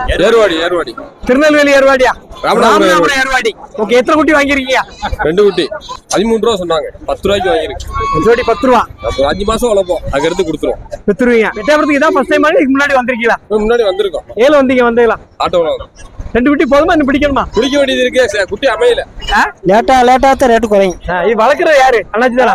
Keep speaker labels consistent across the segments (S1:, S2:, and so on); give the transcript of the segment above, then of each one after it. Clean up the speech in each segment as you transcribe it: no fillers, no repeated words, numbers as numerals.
S1: ஏர்வாடி ஏர்வாடி
S2: திருநெல்வேலி ஏர்வாடியா?
S1: ராமநாதபுரம்
S2: ஏர்வாடி. ஓகே, எத்தனை குட்டி வாங்கிருக்கீங்க?
S1: 2 குட்டி 13 ரூபா சொன்னாங்க. 10 ரூபாய்க்கு வாங்கிருக்கு.
S2: ஜோடி 10 ரூபா.
S1: 5 மாசம் வளர்ப்போம், அதுக்கு எடுத்து கொடுத்துருவோம்.
S2: வித்துருவீங்க. எட்டாயிரத்துக்கு இதான் ஃபர்ஸ்ட் டைம் இதுக்கு முன்னாடி வந்திருக்கீங்களா?
S1: முன்னாடி வந்திருக்கோம்.
S2: ஏல வந்தீங்களா?
S1: ஆட்டோல
S2: 2 குட்டி போதுமா? இன்னும் பிடிக்கணுமா?
S1: பிடிக்க வேண்டியது இருக்கு, குட்டி அமையல.
S3: லேட்டா தான் ரேட்டு குறையும்.
S2: இது வளர்க்குறது யாரு? அண்ணாச்சி தானா?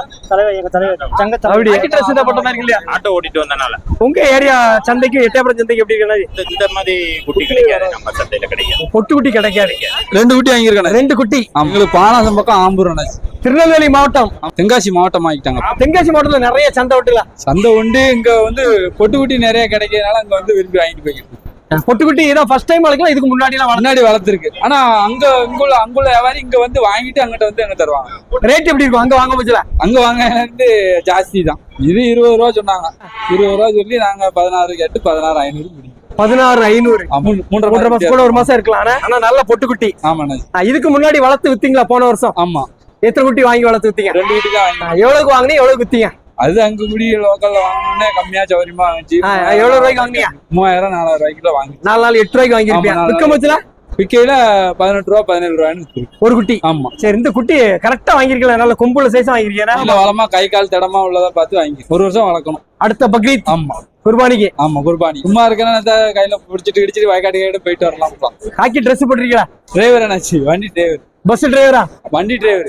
S4: ஆட்டோ ஓட்டிட்டு வந்தனால
S2: உங்க ஏரியா சந்தைக்கு எட்டயபுரம் சந்தைக்கு எப்படி இருக்கு?
S4: இந்த மாதிரி குட்டி கிடைக்காது, நம்ம சந்தையில கிடைக்காது.
S2: பொட்டு குட்டி கிடைக்காது.
S3: 2 குட்டி வாங்கியிருக்காங்க.
S2: 2 குட்டி.
S3: உங்களுக்கு பானாசம் பக்கம் ஆம்பூர்.
S2: திருநெல்வேலி மாவட்டம்,
S3: தென்காசி மாவட்டம் ஆகிட்டாங்க.
S2: தென்காசி மாவட்டத்துல நிறைய சந்தை விட்டுலாம்.
S3: சந்தை உண்டு. இங்க பொட்டு குட்டி நிறைய கிடைக்கிறதுனால அங்க விரும்பி வாங்கிட்டு போய்க்கிட்டு.
S2: பொட்டுக்குட்டி இதான் ஃபர்ஸ்ட் டைம் வளர்க்கலாம். இதுக்கு முன்னாடி
S3: வளர்த்துருக்கு. ஆனா அங்குள்ள வியாபாரி இங்க வாங்கிட்டு அங்கிட்ட எங்க தருவாங்க.
S2: ரேட் எப்படி இருக்கும் அங்க வாங்க போச்சுல?
S3: அங்க வாங்க ஜாஸ்தி தான். இது 20 ரூபா சொன்னாங்க. 20 ரூபா சொல்லி நாங்க 16 கேட்டு 16,500 முடியும்.
S2: 16,500. 3.5 மாசம் கூட 1 மாசம் இருக்கலாம். ஆனா நல்ல பொட்டுக்குட்டி.
S3: ஆமாண்ணா.
S2: இதுக்கு முன்னாடி வளர்த்து வித்தீங்களா போன வருஷம்?
S3: ஆமா.
S2: எத்தனை குட்டி வாங்கி வளர்த்து வித்தீங்க?
S3: 2 குட்டி தான் வாங்கி.
S2: எவ்வளவுக்கு வாங்கினீங்க, எவ்வளவு வித்தீங்க?
S3: அது அங்க குடி லோக்கல்ல வாங்கினே கம்மியா சௌரியமா வாங்கிச்சு.
S2: எவ்வளவு ரூபாய்க்கு வாங்கினீங்க?
S3: 3000 4000 ரூபாய்க்கு வாங்கி.
S2: 4 நாள் 8 ரூபாய்க்கு வாங்கிருப்பீங்க. விற்க போச்சுல?
S3: விக்கையில 18 ரூபா 17 ரூபான்னு
S2: ஒரு குட்டி.
S3: ஆமா.
S2: சரி, இந்த குட்டி கரெக்டா வாங்கிருக்கல? நல்ல கொம்புல சைஸா வாங்கிருக்கீங்க.
S3: நல்ல வளமா கை கால் தடமா உள்ளதா பார்த்து வாங்கி 1 வருஷம் வளர்க்கணும்.
S2: அடுத்த பக்ரீத்.
S3: ஆமா.
S2: குர்பானிக்கு.
S3: ஆமா, குர்பானி. சும்மா இருக்கா கையில பிடிச்சிட்டு கிடிச்சிட்டு வயக்காட்டு போயிட்டு வரலாம்.
S2: ஹாக்கி ட்ரெஸ் போட்டிருக்கீங்களா?
S3: டிரைவர் என்னாச்சு? வண்டி டிரைவர்.
S2: பஸ் டிரைவரா?
S3: வண்டி டிரைவர்.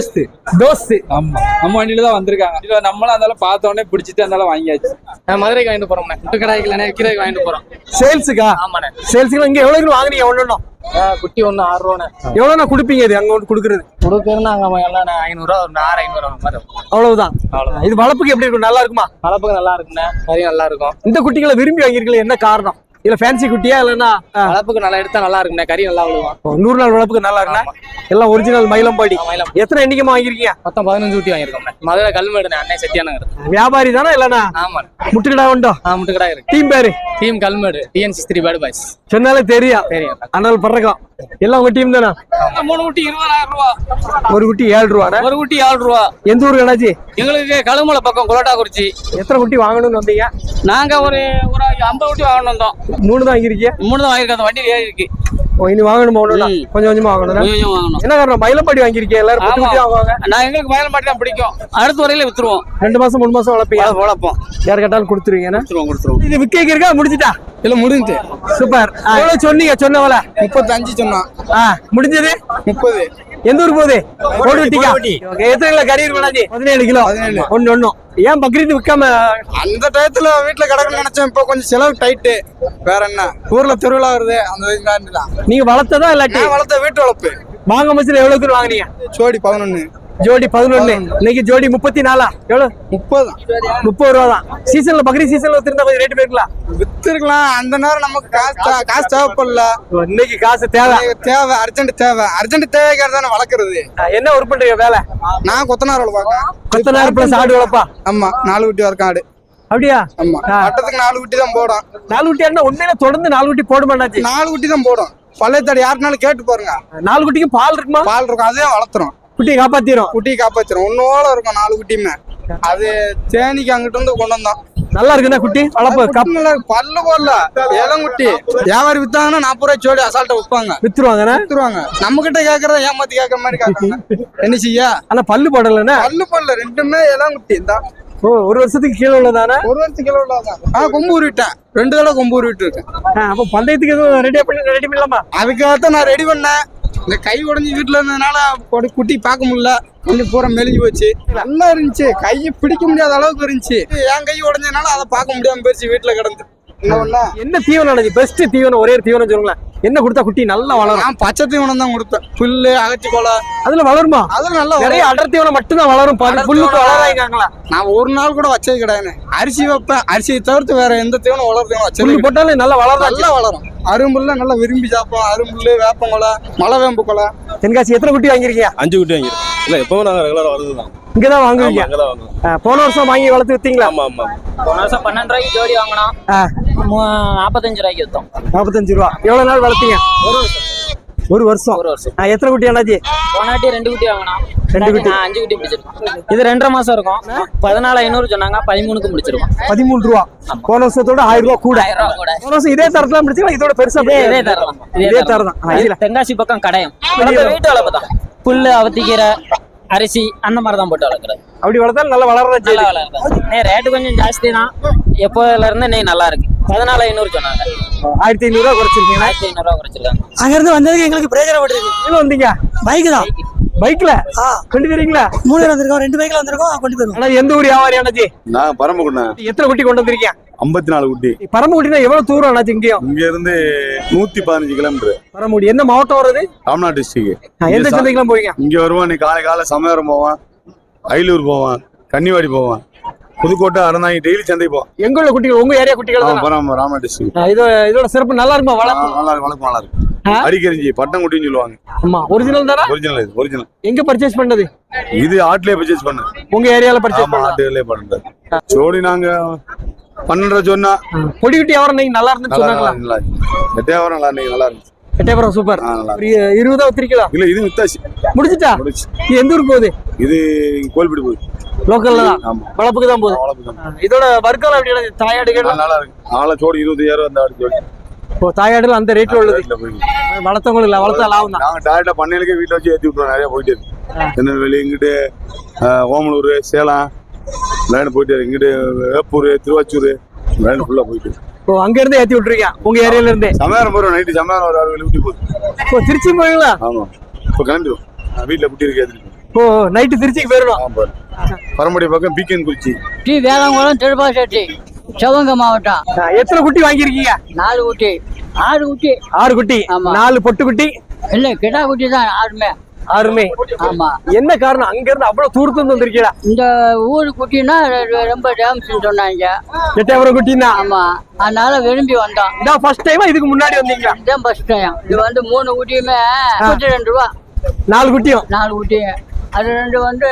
S3: தோஸ்து. ஆமா, நம்ம வண்டியில தான் வந்திருக்காங்க. நம்மளும் அதனால பார்த்த உடனே பிடிச்சிட்டு அதனால வாங்கியாச்சு.
S4: மதுரைக்கு வாங்கிட்டு போறோம். கடாய்க்கு விற்கிறதுக்கு வாங்கிட்டு போறோம்.
S2: சேல்ஸுக்கா?
S4: ஆமாண்ணே.
S2: சேல்ஸுக்கு இங்க எவ்வளவு வாங்குறீங்க? ஒண்ணு
S4: குட்டி 6 ரூபாண்ணே.
S2: எவ்வளவு கொடுப்பீங்க? இது அங்க கொடுக்குறது
S4: அங்க 500 ரூபா, 600
S2: அவ்வளவுதான். இது வளர்ப்புக்கு எப்படி இருக்கும்? நல்லா இருக்குமா?
S4: வளர்ப்புக்கு நல்லா இருக்குண்ணே. கறி நல்லா இருக்கும்.
S2: இந்த குட்டிகளை விரும்பி வாங்கிருக்கீங்க, என்ன காரணம்? இல்ல ஃபேன்சி குட்டியா இல்லன்னா
S4: வளர்ப்புக்கு நல்லா எடுத்தா நல்லா இருக்குண்ணே. கறி நல்லா விழுவான்.
S2: 100 நாள் வளர்ப்புக்கு நல்லா இருக்குண்ணா. எல்லாம் ஒரிஜினல் மயிலம்பாடி.
S4: எத்தனை
S2: எண்ணிக்கைமா வாங்கிருக்கீங்க?
S4: மொத்தம் 15 குட்டி வாங்கிருக்கோம். மதுரை கல்மேடு. அண்ணே செட்டியானங்க.
S2: வியாபாரி தானே இல்லனா?
S4: ஆமா.
S2: முட்டுக்கடா உண்டோ?
S4: முட்டுக்கடா இருக்கு.
S2: டீம் பேரு?
S4: Team Kalmedu. TN63 bad boys.
S2: சொன்னாலே தெரியும். அண்ணால் பறக்கும். எல்லாம் உங்க டீம் தானா?
S4: 3 குட்டி 20,000 ரூபா.
S2: ஒரு குட்டி 7 ரூபா.
S4: ஒரு குட்டி 7 ரூபா.
S2: எந்த ஊருக்கு அண்ணாச்சி?
S4: எங்களுக்கு கழுமலை பக்கம் கொலட்டாக்குறிச்சி.
S2: எத்தனை குட்டி வாங்கணும்னு வந்தீங்க?
S4: நாங்க ஒரு 50 குட்டி வாங்கணும் வந்தோம்.
S2: 3 தான் வாங்கிருக்கீங்க?
S4: 3 தான் வாங்கிருக்கோம். வண்டி ஏறி இருக்கு.
S2: இனி வாங்கணுமா? கொஞ்சம் கொஞ்சமா வாங்கணும். என்ன காரணம்? மயிலம்பாடி வாங்கிருக்கீங்க. எல்லாரும் பொட்டு குட்டி வாங்குவாங்க.
S4: நான் எங்களுக்கு மயிலம்பாடி தான் பிடிக்கும். அடுத்த வரையில வித்துருவோம்.
S2: 2 மாசம் 3 மாசம் வளர்ப்போம். யார் கேட்டாலும் கொடுத்துருவீங்க. இது விக்க இருக்கா? முடிஞ்சிட்டா?
S3: இல்ல, முடிஞ்சு.
S2: சூப்பர். எவ்வளவு சொன்னீங்க? சொன்னவள
S3: 35 சொன்னான்.
S2: முடிஞ்சது
S3: 30.
S2: எந்த ஊருக்கு போகுது? கோடுவெட்டிக்கா? எத்தனை கிலோ கறி இருக்கும்? 17 கிலோ. ஒன்னு ஏன் பக்ரீத் விற்காம?
S3: அந்த டயத்துல வீட்டுல கிடக்கணும்னு நினைச்சேன். இப்போ கொஞ்சம் செலவு டைட்டு. வேற என்ன, ஊர்ல திருவிழா வருது. அந்த
S2: நீங்க வளர்த்ததா இல்லாட்டி?
S3: வளர்த்த வீட்டு வளர்ப்பு.
S2: வாங்க மச்சில எவ்வளவு பேர் வாங்குனீங்க?
S3: ஜோடி 11.
S2: ஜோடி 11. இன்னைக்கு ஜோடி 34. எவ்வளவு? 30 ரூபா தான். சீசன்ல பக்ரீத் சீசன்ல வித்திருந்தா கொஞ்சம் ரேட் போயிருக்கலாம்.
S3: வித்துருக்கலாம். அந்த நேரம் நமக்கு காசு தேவைப்படல.
S2: இன்னைக்கு காசு தேவை.
S3: அர்ஜென்ட் தேவைக்காக தானே வளர்க்கறது.
S2: என்ன ஒர்க் பண்றீங்க வேலை?
S3: நான் கொத்தனார் வளர்ப்பேன்.
S2: கொத்தனார் பிளஸ் ஆடு வளர்ப்பா?
S3: ஆமா, 4 குட்டி வரைக்கும் ஆடு.
S2: அப்படியா?
S3: ஆமா. வட்டத்துக்கு 4 குட்டி தான் போடும்.
S2: 4 குட்டி ஆடுனா உண்மையில தொடர்ந்து 4 குட்டி போட மாட்டாச்சு.
S3: 4 குட்டி தான் போடும். பழையத்தாடு யாருனாலும் கேட்டு பாருங்க.
S2: 4 குட்டிக்கு பால் இருக்குமா?
S3: பால் இருக்கும். அதே வளர்த்துறோம்.
S2: குட்டியை காப்பாத்திரும்.
S3: ஒன்னோட இருக்கும் 4 குட்டியுமே. அது தேனிக்கு அங்கிட்ட இருந்து கொண்டு வந்தோம்.
S2: நல்லா இருக்குண்ணா குட்டி வளர்ப்பு.
S3: பல்லு போடல. இளங்குட்டி வியாபாரி வித்தாங்கன்னா 40 ரூபாய் ஜோடி அசால்ட்டா வித்துருவாங்க. நம்ம கிட்ட கேக்குறத ஏமாத்தி கேக்குற மாதிரி கேக்குறாங்க. என்ன செய்ய?
S2: ஆனா பல்லு போடலன்னா?
S3: பல்லு போடல. 2மே இளங்குட்டி தான்.
S2: ஒரு வருஷத்துக்கு கீழே உள்ளதானே?
S3: 1 வருஷத்துக்கு கீழே உள்ளதான். கொம்பு உருவிட்டேன். 2 தடவை கொம்பு உருவிட்டு இருக்கேன்.
S2: அப்ப பந்தயத்துக்கு எதுவும் ரெடி பண்ணலாமா?
S3: அதுக்காகத்தான் நான் ரெடி பண்ணேன். இந்த கை உடஞ்சி வீட்டுல இருந்ததுனால குட்டி பார்க்க முடியல. கொஞ்சம் பூரா மெலிஞ்சு போச்சு. நல்லா இருந்துச்சு. கையை பிடிக்க முடியாத அளவுக்கு இருந்துச்சு. என் கை உடஞ்சதுனால அதை பார்க்க முடியாம போயிடுச்சு. வீட்டுல கிடந்து
S2: என்ன தீவனம்? பெஸ்ட் தீவனம் ஒரே தீவனம் சொல்லுங்களேன். என்ன கொடுத்தா குட்டி நல்லா வளரும்?
S3: நான் பச்சை தீவனம் தான் கொடுப்பேன். புல்லு, அகச்சி கொலை.
S2: அதுல வளருமா?
S3: அதுல நல்லா
S2: நிறைய அடர் தீவனம் மட்டும் தான் வளரும். புல்லுக்கு வளராங்களா?
S3: நான் ஒரு நாள் கூட வச்சது கிடையாது. அரிசி வைப்பேன். அரிசியை தவிர்த்து வேற எந்த தீவனம் வளர்த்தீவனம் வச்சு
S2: போட்டாலும் நல்லா வளரும்.
S3: அரும்புல்ல நல்லா விரும்பி சாப்பிடும். அரும்புல்லு, வேப்பங்கொலை, மலை வேம்பு கொலை.
S2: தென்காசி எத்தனை குட்டி வாங்கிருக்கீங்க?
S1: 5 குட்டி வாங்கிருக்கோம். இல்ல எப்பவும் நாங்க ரெகுலரா வருதுதான்.
S2: இங்கதான் வாங்குவீங்க? போன வருஷம் வாங்கி வளர்த்து வித்தீங்களா?
S1: ஆமா ஆமா.
S4: போன வருஷம் 12 ரூபாய்க்கு ஜோடி வாங்கினோம். 45 ரூபாய்க்கு வித்தோம்.
S2: 45 ரூபா. எவ்வளவு நாள் வளர்த்தீங்க? ஒரு வருஷம். எத்தனை குட்டி அண்ணாச்சி?
S4: போனாட்டி 2 குட்டி வாங்கினோம்.
S2: ரெண்டு குட்டி
S4: 5 குட்டி பிடிச்சிருக்கோம். இது 2.5 மாசம் இருக்கும். 14,500 சொன்னாங்க, 13க்கு முடிச்சிருக்கோம்.
S2: 13 ரூபா. போன வருஷத்தோட 1000 ரூபா கூட.
S4: 1000 ரூபா கூட.
S2: போன வருஷம் இதே தரத்துல முடிச்சீங்களா? இதோட பெருசா
S4: இதே தரம்.
S2: இதே தரம் தான்.
S4: இது தென்காசி பக்கம் கடையம். வீட்டு வளர்ப்பு தான். புல்லு, அவத்திக்கீரை, அரிசி அந்த மாதிரி தான் போட்டு வளர்க்குறது.
S2: அப்படி வளர்த்தாலும் நல்லா வளர்றதா
S4: நல்லா வளர்க்குது. ரேட்டு கொஞ்சம் ஜாஸ்தி தான். எப்போதுல இருந்து நெய் நல்லா இருக்கு. 14,500 சொன்னாங்க.
S2: 1500 ரூபா குறைச்சிருக்கீங்க.
S4: 1500 ரூபா குறைச்சிருக்காங்க.
S2: அங்க இருந்து வந்ததுக்கு எங்களுக்கு பிரயோஜனப்பட்டிருக்கு. எங்க வந்தீங்க? பைக் தான். பைக்ல கொண்டு போறீங்களா? 3 பேர் வந்திருக்கோம். 2 பைக்ல வந்திருக்கோம். கொண்டு போறோம். ஆனா எந்த ஊர் வியாபாரி அண்ணாச்சி?
S5: நான் பரமக்குடிண்ணா.
S2: எத்தனை குட்டி கொண்டு வந்திருக்கீங்க?
S5: 54 குட்டி.
S2: பரமக்குடினா எவ்வளவு தூரம் அண்ணாச்சி?
S5: இங்க இருந்து 115 கிலோமீட்டர்.
S2: பரமக்குடி என்ன மாவட்டம் வருது?
S5: ராம்நாத் டிஸ்ட்ரிக்ட்.
S2: எந்த சந்தைக்கெல்லாம் போவீங்க?
S5: இங்க வருவான். நீ காலை சமயபுரம் போவான், அயிலூர் போவான், கன்னிவாடி போவான், புதுக்கோட்டை, அறந்தாங்கி, டெய்லி சந்தை போவான்.
S2: எங்க உள்ள குட்டிகள்? உங்க ஏரியா குட்டிகள் தான்.
S5: ராம்நாத் டிஸ்ட்ரிக்ட்.
S2: இதோட சிறப்பு நல்லா இருக்குமா? வளர்ப்பு
S5: நல்லா இருக்கு. அடிக்கரிஞ்சி பட்டம் குட்டின்னு சொல்லுவாங்க.
S2: ஆமா, ஒரிஜினல் தானா?
S5: ஒரிஜினல்.
S2: எங்க பர்ச்சேஸ் பண்ணது?
S5: இது ஆட்லயே பர்ச்சேஸ் பண்ணு.
S2: உங்க ஏரியால பர்ச்சேஸ்
S5: பண்ண? ஆட்லயே பண்றது. ஜோடி நாங்க 12 சொன்னா.
S2: பொடி குட்டி வியாபாரம் நீங்க நல்லா இருந்துன்னு சொன்னாங்களா?
S5: எட்டையாவரம் நல்லா இருந்துச்சு.
S2: எட்டயபுரம் சூப்பர். 20 வித்திருக்கீங்களா?
S5: இல்ல, இது வித்தாச்சு.
S2: முடிச்சிட்டா? இது எந்த ஊருக்கு போகுது?
S5: இது கோல்பீடு போகுது.
S2: லோக்கல்ல தான். வளப்புக்கு தான் போகுது. இதோட வர்க்கம் எப்படி? தாயாடுகள்
S5: நல்லா இருக்கு. ஆள ஜோடி 25,000 அந்த ஆடு ஜோடி.
S2: இப்போ தாயாடுல அந்த ரேட்ல உள்ளது. வளர்த்தவங்களுக்கு இல்ல, வளர்த்தா லாபம் தான்.
S5: நாங்க டைரக்டா பண்ணையிலே வீட்டுல வச்சு ஏத்தி விட்டுறோம். நிறைய போயிட்டு இருக்கு. திருநெல்வேலி, இங்கிட்டு ஓமலூர், சேலம் லைன் போயிட்டு இருக்கு. இங்கிட்டு வேப்பூர், திருவாச்சூர் லைன் ஃபுல்லா போயிட்டு இருக்கு.
S2: இப்போ அங்க இருந்து ஏத்தி விட்டுருக்கீங்க உங்க ஏரியால இருந்து?
S5: சமயம் போறோம். நைட்டு சமயம் ஒரு 6 ஊட்டி போகுது.
S2: இப்போ திருச்சி போவீங்களா?
S5: ஆமா, இப்போ கிளம்பிடுவோம். வீட்டுல குட்டி இருக்கு ஏத்தி.
S2: இப்போ நைட்டு திருச்சிக்கு போயிடணும்.
S5: பரம்படி பக்கம் பீக்கன் குறிச்சி.
S6: வேளாங்குளம், திருப்பாச்சேரி, சிவகங்கை மாவட்டம்.
S2: எத்தனை குட்டி வாங்கியிருக்கீங்க?
S6: 4 குட்டி. 6 குட்டி.
S2: 6 குட்டி. 4 பொட்டு குட்டி.
S6: இல்ல, கிடா குட்டி தான் 6மே.
S2: 6மே.
S6: ஆமா.
S2: என்ன காரணம் அங்க இருந்து அவ்வளவு தூரத்துல வந்திருக்கீங்களா?
S6: இந்த ஊரு குட்டினா ரொம்ப டேம்ஸ் சொன்னாங்க.
S2: எட்டயபுரம் குட்டினா?
S6: ஆமா, அதனால விரும்பி வந்தோம்.
S2: இதான் ஃபர்ஸ்ட் டைமா? இதுக்கு முன்னாடி வந்தீங்களா?
S6: இதான் ஃபர்ஸ்ட் டைம். இது வந்து 3 குட்டியுமே 32 ரூபா.
S2: 4 குட்டியும்?
S6: 4 குட்டியும். அது 2 வந்து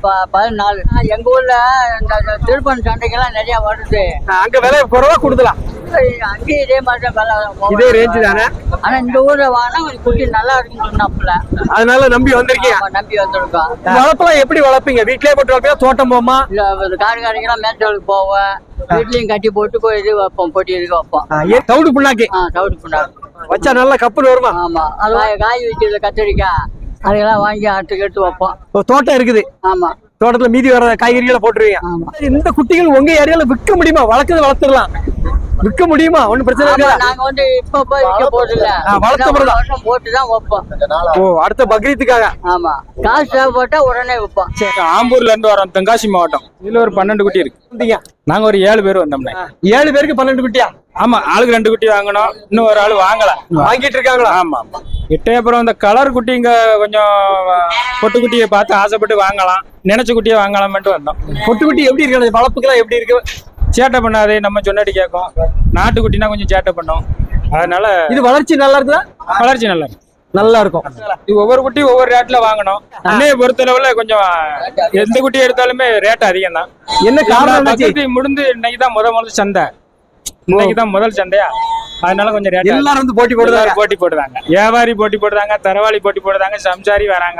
S6: 14. எங்க ஊர்ல இந்த திருப்பன் சண்டைக்கெல்லாம் நிறைய வருது.
S2: அங்க விலை குறைவா கொடுக்கலாம்.
S6: அங்கேயும் இதே மாதிரி தான் விலை.
S2: இதே ரேஞ்சு தானே?
S6: ஆனா இந்த ஊர்ல வாங்கினா கொஞ்சம் குட்டி நல்லா இருக்குன்னு சொன்னாப்புல.
S2: அதனால நம்பி வந்திருக்கீங்க?
S6: நம்பி வந்திருக்கோம்.
S2: வளர்ப்பெல்லாம் எப்படி வளர்ப்பீங்க? வீட்லயே போட்டு வளர்ப்பீங்க? தோட்டம் போமா?
S6: இல்ல, காடுகாரிக்கெல்லாம் மேட்டலுக்கு போவேன். வீட்லயும் கட்டி போட்டு இது வைப்போம், பொட்டி இருக்கு வைப்போம்.
S2: தவிடு புண்ணாக்கு?
S6: தவிடு புண்ணாக்கு
S2: வச்சா நல்லா கப்புன்னு வருமா?
S6: ஆமா, அது காய் வைக்கிறது, கத்திரிக்காய் அதெல்லாம் வாங்கி எடுத்து வைப்போம்.
S2: தோட்டம் இருக்குது?
S6: ஆமா.
S2: தோட்டத்துல மீதி வர காய்கறிகளை போட்டுருவீங்க?
S6: ஆமா.
S2: இந்த குட்டிகள் உங்க ஏரியால விற்க முடியுமா? வளர்த்துடலாம். விற்க முடியுமா? ஒண்ணும் பிரச்சனை இருக்காது.
S6: நாங்க வந்து இப்ப விற்க போறதில்ல.
S2: வளர்த்த
S6: வருஷம் போட்டுதான் வைப்போம்.
S2: ஓ, அடுத்த பக்ரீத்துக்காக?
S6: ஆமா, காசு தேவைப்பட்டா உடனே வைப்போம்.
S7: ஆம்பூர்ல இருந்து வரோம், தென்காசி மாவட்டம். இதுல ஒரு 12 குட்டி இருக்கு. நாங்க ஒரு 7 பேர் வந்தோம்னா.
S2: 7 பேருக்கு 12 குட்டியா?
S7: ஆமா, ஆளுக்கு 2 குட்டி வாங்கணும். இன்னும் ஒரு ஆளு வாங்கல,
S2: வாங்கிட்டு இருக்காங்களா?
S7: ஆமா. எட்டயபுரம் இந்த கலர் குட்டி இங்க கொஞ்சம் பொட்டு குட்டியை பார்த்து ஆசைப்பட்டு வாங்கலாம், நினைச்ச குட்டியை வாங்கலாம்ட்டு வந்தோம்.
S2: பொட்டு குட்டி எப்படி இருக்கு? வளர்ப்புக்கெல்லாம் எப்படி இருக்கு?
S7: சேட்டை பண்ணாது, நம்ம சொன்னாடி கேட்கும். நாட்டு குட்டினா கொஞ்சம் சேட்டை பண்ணும். அதனால
S2: இது வளர்ச்சி நல்லா இருக்குதா?
S7: வளர்ச்சி நல்லா இருக்கும்.
S2: நல்லா இருக்கும்.
S7: இது ஒவ்வொரு குட்டி ஒவ்வொரு ரேட்ல வாங்கணும். அன்னைய பொறுத்தளவுல கொஞ்சம் எந்த குட்டி எடுத்தாலுமே ரேட் அதிகம் தான்.
S2: என்ன காரணம்?
S7: முடிந்து இன்னைக்கு தான் முதல் சந்தை. இன்னைக்கு தான் முதல் சந்தையா, அதனால கொஞ்சம் ரேட்.
S2: எல்லாரும் வந்து போட்டி
S7: போடுறாங்க. வியாபாரி போட்டி போடுறாங்க, தரவாளி போட்டி போடுறாங்க, சம்சாரி வராங்க.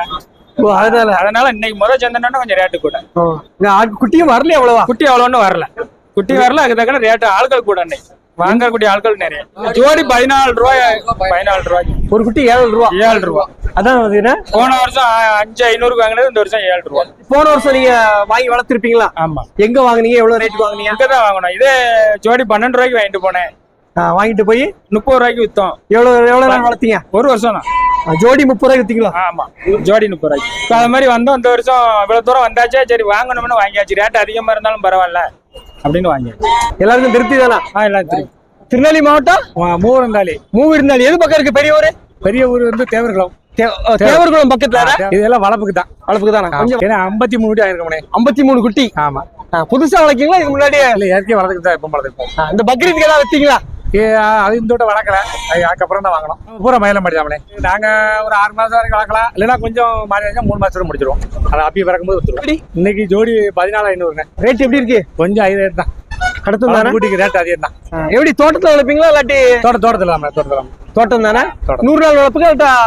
S7: அதனால இன்னைக்கு முதல் சந்தைன்னா கொஞ்சம் ரேட்டு கூட.
S2: குட்டியும் வரல? அவ்வளவா?
S7: குட்டி அவ்வளோன்னு வரல. குட்டி வரல, அதுக்கு தக்க ரேட்டு ஆட்கள் கூட. இன்னைக்கு வாங்கக்கூடிய ஆட்கள் நிறைய. ஜோடி 14 ரூபாய். 14 ரூபாய்
S2: ஒரு குட்டி. 7 ரூபா.
S7: 7 ரூபா.
S2: அதான்
S7: போன வருஷம் 5,500 வாங்கினது, இந்த வருஷம் 7 ரூபா.
S2: போன வருஷம் நீங்க வாங்கி வளர்த்திருப்பீங்களா?
S7: ஆமா.
S2: எங்க வாங்குனீங்க? எவ்வளவு ரேட் வாங்குனீங்க?
S7: அங்கதான் வாங்கணும். இதே ஜோடி 12 ரூபாய்க்கு வாங்கிட்டு போனேன்.
S2: வாங்கிட்டு போய்
S7: 30 ரூபாய்க்கு வித்தோம்.
S2: எவ்வளவு நாள் வளர்த்தீங்க?
S7: ஒரு வருஷம் தான்.
S2: ஜோடி 30 ரூபாய்க்கு வித்தீங்களா?
S7: ஆமா, ஜோடி 30 ரூபாய்க்கு. அது மாதிரி வந்தோம். இந்த வருஷம் இவ்வளவு தூரம் வந்தாச்சே, சரி வாங்கணும்னு வாங்கியாச்சு. ரேட் அதிகமா இருந்தாலும் பரவாயில்ல அப்படின்னு வாங்கியாச்சு.
S2: எல்லாருக்கும் திருப்தி தானா?
S7: எல்லாம் திருப்தி.
S2: திருநெல்வேலி மாவட்டம் மூவிருந்தாளி. எது பக்கம் இருக்கு? பெரிய ஊரு?
S7: பெரிய ஊர் வந்து தேவர்குளம்.
S2: தேவர்குளம் பக்கத்துல.
S7: இதெல்லாம் வளப்புக்கு தான்.
S2: வளப்புக்கு தானே? கொஞ்சம்
S7: 53 குட்டி ஆயிருக்கோம்.
S2: 53 குட்டி.
S7: ஆமா.
S2: புதுசா வளர்க்கீங்களா? இதுக்கு முன்னாடி
S7: இயற்கையா வளர்த்துக்கு தான் எப்ப வளர்த்துப்போம்.
S2: இந்த பக்ரீத்துக்கு ஏதாவது வச்சீங்களா?
S7: அது இந்த விட வளர்க்கல. அதுக்கப்புறம் தான் வாங்கணும். பூரா மயிலம் படிச்சாமலே. நாங்க ஒரு 6 மாசம் வரைக்கும் வளர்க்கலாம். இல்லைன்னா கொஞ்சம் மாறி 3 மாசத்துல முடிச்சிருவோம். அதை அப்பி பிறக்கும்போது வித்துருவோம். இன்னைக்கு ஜோடி 14,500.
S2: ரேட் எப்படி இருக்கு?
S7: கொஞ்சம் 5,000 தான்.
S2: அடுத்த
S7: குட்டிக்கு ரேட் அதிகம் தான்.
S2: எப்படி தோட்டத்துல வளர்ப்பீங்களா? இல்லாட்டி
S7: தோட்டத்துல
S2: தோட்டம் தானே? 100 நாள் வளர்ப்புக்கு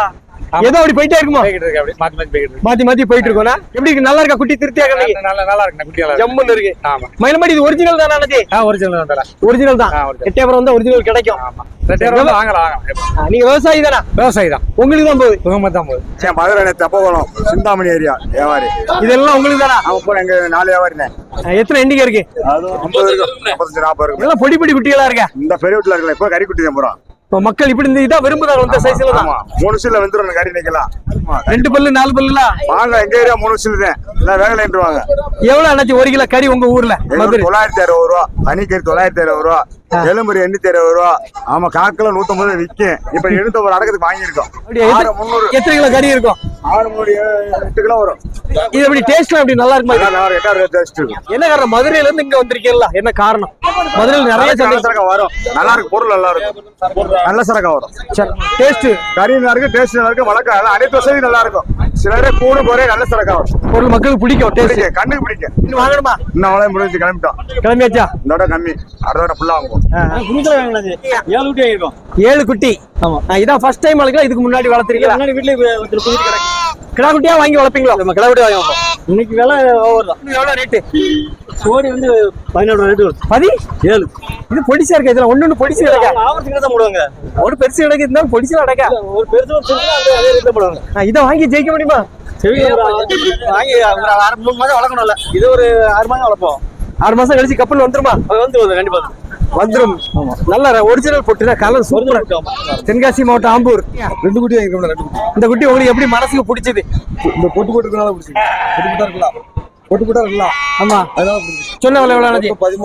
S2: ஏதோ அப்படி போயிட்டே இருக்குமா?
S7: போய்கிட்டு இருக்கு அப்படி மாத்தி மாத்தி போய்கிட்டு இருக்கு.
S2: மாத்தி போயிட்டு இருக்கோம்னா எப்படி இருக்கு? நல்லா இருக்கா குட்டி? திருப்தியா இருக்கா?
S7: நல்லா இருக்கு குட்டி நல்லா இருக்கு.
S2: ஜம்முன்னு இருக்கு.
S7: ஆமா
S2: மயிலமாடி இது ஒரிஜினல் தானா அண்ணாச்சி?
S7: ஒரிஜினல் தான் தல.
S2: ஒரிஜினல் தான்.
S7: original.
S2: எட்டயபுரம் வந்து ஒரிஜினல் கிடைக்கும்.
S7: ஆமா ரெண்டாயிரம் வாங்கலாம்.
S2: நீங்க விவசாயி தானா?
S7: விவசாயி தான்.
S2: உங்களுக்கு தான் போகுது.
S7: சுகமா தான் போகுது.
S5: மதுரை தெப்பகுளம் சிந்தாமணி ஏரியா வியாபாரி.
S2: இதெல்லாம் உங்களுக்கு தானா?
S5: அவன் போற எங்க 4 வியாபாரினே.
S2: எத்தனை எண்டிகை இருக்கு?
S5: 50 இருக்கு, 55 40 இருக்கு.
S2: எல்லாம் பொடி பொடி குட்டிகளா இருக்கா?
S5: இந்த பெரிய வீட்டுல இருக்கல இப்ப கறி குட்டி தான் போறோம்.
S2: இப்போ மக்கள் இப்படி இந்த இதான் விரும்புறாங்க இந்த சைஸ்ல தான்.
S5: ஆமா 3 விசில வந்துரும் கறி நிக்கலாம்.
S2: 2 பல்லு 4 பல்லுலாம்
S5: பால்ல எங்க ஏரியா 3 விசில் தான். எல்லாம் வேகலைன்றுவாங்க.
S2: எவ்வளவு அண்ணாச்சி 1 கிலோ கறி உங்க ஊர்ல? மதுரை
S5: 960 ரூபா, பனிக்கறி 960 ரூபா, எலும்புரி 860 ரூபா. ஆமா காக்கில 150 விக்கும். இப்ப 700 அடக்கத்துக்கு வாங்கியிருக்கோம்.
S2: அப்படியே
S5: 300
S2: எத்தனை கிலோ கறி இருக்கும்?
S5: 8 கிலோ வரும்.
S2: இது எப்படி டேஸ்ட்லாம் எப்படி நல்லா இருக்குமா?
S5: நல்லா 8 டேஸ்ட் இருக்கும்.
S2: என்ன காரணம்? மதுரையில இருந்து இங்க வந்திருக்கீங்களா? என்ன காரணம்? மதுரையில நிறைய
S5: சரக்கா வரும். நல்லா இருக்கு பொருள் நல்லா இருக்கும். நல்ல சரக்கா வரும்.
S2: டேஸ்ட்
S5: கறி நல்லா இருக்கு, டேஸ்ட் நல்லா இருக்கு, வழக்கம் எல்லாம் அனைத்து வசதி நல்லா இருக்கும். சிலரே கூடு போறே நல்ல சரக்கா வரும்.
S2: பொருள் மக்களுக்கு பிடிக்கும். டேஸ்ட்
S5: பிடிக்கும், கண்ணுக்கு பிடிக்கும்.
S2: இன்னும் வாங்கணுமா?
S5: இன்னும் அவ்வளவு முடிஞ்சு கிளம்பிட்டோம்.
S2: கிளம்பியாச்சா?
S5: இதோட கம்மி அடுத்த ஃபுல்லா வாங்குவோம்.
S2: 7 குட்டி. இதான் ஃபர்ஸ்ட் டைம் வளர்க்கலாம். இதுக்கு முன்னாடி வளர்த்துறீங்களா? வீட்டுல கிடா குட்டியா வாங்கி வளர்ப்பீங்களா?
S4: கிடா குட்டி வாங்க இன்னைக்கு விலை ஓவர் தான்.
S2: எவ்வளவு ரேட்டு?
S4: சோடி வந்து 17 ரேட்டு
S2: 17. இது பொடிசா இருக்கா? இதுல ஒண்ணு பொடிசு கிடக்கா?
S4: ஆவரத்துக்கு தான் போடுவாங்க.
S2: ஒரு பெருசு கிடக்கு இருந்தாலும் பொடிசா கிடக்கா?
S4: ஒரு பெருசு அதே ரேட்ல போடுவாங்க.
S2: இதை வாங்கி ஜெயிக்க முடியுமா?
S4: வாங்கி ஒரு 3 மாதம் வளர்க்கணும்ல. இது ஒரு 6 மாதம் வளர்ப்போம்.
S2: 6 மாசம் கழிச்சு கப்பல் வந்துருமா?
S4: வந்து கண்டிப்பா
S2: வந்துரும். நல்ல ஒரிஜினல் பொட்டுனா கலர் சூப்பரா. தென்காசி மாவட்டம் ஆம்பூர்.
S3: 2 குட்டி வாங்கிருக்கோம். 2 குட்டி.
S2: இந்த குட்டி உங்களுக்கு எப்படி மனசுக்கு பிடிச்சது?
S3: இந்த பொட்டு இருக்கனால பிடிச்சது. பொட்டு இருக்கலாம். பொட்டு இருக்கலாம்.
S2: ஆமா
S3: அதனால பிடிச்சது.
S2: சொன்ன விலை எவ்வளவு?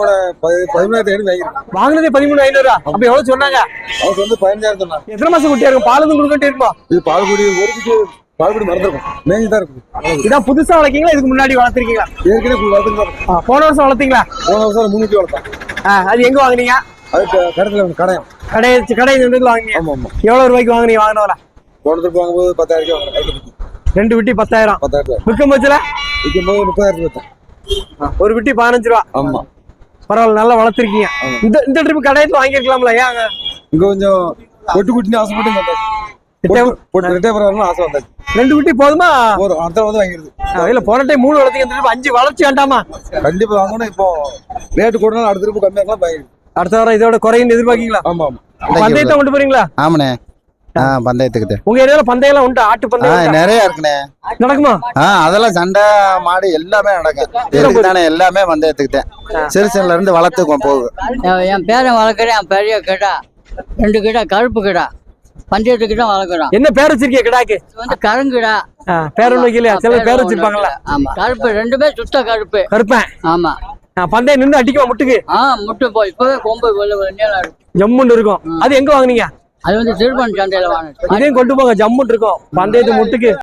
S3: 13,500 வாங்கிருக்கோம்.
S2: வாங்கினதே 13,500. அப்ப எவ்வளவு சொன்னாங்க?
S3: அவங்க வந்து 15,000 சொன்னாங்க.
S2: எத்தனை மாசம் குட்டியா இருக்கும்? பாலும் கொடுக்கிட்டே இருக்குமா?
S3: இது பால்குடி ஒரு குட்டி பால்குடி மறந்துருக்கும். மேஞ்சி தான் இருக்கும்.
S2: இதான் புதுசா வளர்க்கீங்களா? இதுக்கு முன்னாடி வளர்த்திருக்கீங்களா?
S3: ஏற்கனவே வளர்த்துருக்கோம்.
S2: போன வருஷம் வளர்த்தீங்களா?
S3: போன வருஷம் 3 குட்டி வளர்த்தோம்.
S2: அது எங்க வாங்குனீங்க?
S3: அது கடத்துல கடையம்.
S2: கடை வாங்குனீங்க.
S3: ஆமா ஆமா.
S2: எவ்வளவு ரூபாய்க்கு வாங்குனீங்க? வாங்கினவரா?
S3: போன திருப்பி வாங்கும்போது 10,000 வாங்கினோம்.
S2: 2 குட்டி 10,000.
S3: 10,000.
S2: விற்கும் பட்சத்துல
S3: விற்கும்போது 30,000 விற்றோம்.
S2: ஒரு குட்டி 15 ரூபா.
S3: ஆமா.
S2: பரவாயில்ல, நல்லா வளர்த்திருக்கீங்க. இந்த ட்ரிப் கடையத்துல வாங்கிருக்கலாம்ல? ஏன்
S3: இங்க கொஞ்சம் பொட்டு குட்டின்னு ஆசைப்பட்டு வந்தாச்சு. ரெட்டேபுரம் ஆசை வந்தாச்சு.
S2: 2 குட்டி போதுமா?
S3: ஒரு அடுத்த வந்து வாங்கிருது.
S2: இல்ல போன டைம் 3 வளர்த்தீங்க, 5 வளர்ச்சி வேண்டாமா?
S3: கண்டிப்பா வாங்கணும். இப்போ ரேட்டு கூடனாலும் அடுத்த திருப்பி கம்மியாக்கலாம் வாங்கிருக்கு.
S2: அடுத்த வாரம் இதோட குறையும் எதிர்பார்க்கீங்களா?
S3: ஆமா ஆமா.
S2: பந்தயத்தை கொண்டு போறீங்களா?
S8: ஆமாண்ணே. பந்தயத்துக்கு
S2: உங்க ஏரியால பந்தயம் உண்டு? ஆட்டு பந்தயம்
S8: நிறைய இருக்குண்ணே.
S2: நடக்குமா?
S8: அதெல்லாம் சண்டை மாடு எல்லாமே நடக்கும். தானே எல்லாமே பந்தயத்துக்கு தான். சிறுசன்ல இருந்து வளர்த்துக்குவோம் போகுது.
S6: என் பேரன் வளர்க்குறேன். பெரிய கிடா 2 கிடா கருப்பு கிடா பஞ்சத்துக்கிட்ட வளர்க்குறோம்.
S2: என்ன பேர் வச்சிருக்கீங்க கிடாக்கு?
S6: வந்து கருங்கிடா.
S2: பேர் ஒண்ணு வைக்கலையா? சில பேர் வச்சிருப்பாங்களா?
S6: ஆமா கருப்பு 2மே சுத்த கருப்பு.
S2: கருப்பேன்.
S6: ஆமா.
S2: பந்தயம் நின்று அடிக்குமா முட்டுக்கு?
S6: முட்டு போய் இப்பவே கொம்பு
S2: ஜம்முன்னு இருக்கும். அது எங்க வாங்குனீங்க?
S6: அது வந்து திருப்பன் சந்தையில வாங்கினேன்.
S2: அதையும் கொண்டு போங்க, ஜம்முன்னு இருக்கும் பந்தயத்து முட்டுக்கு.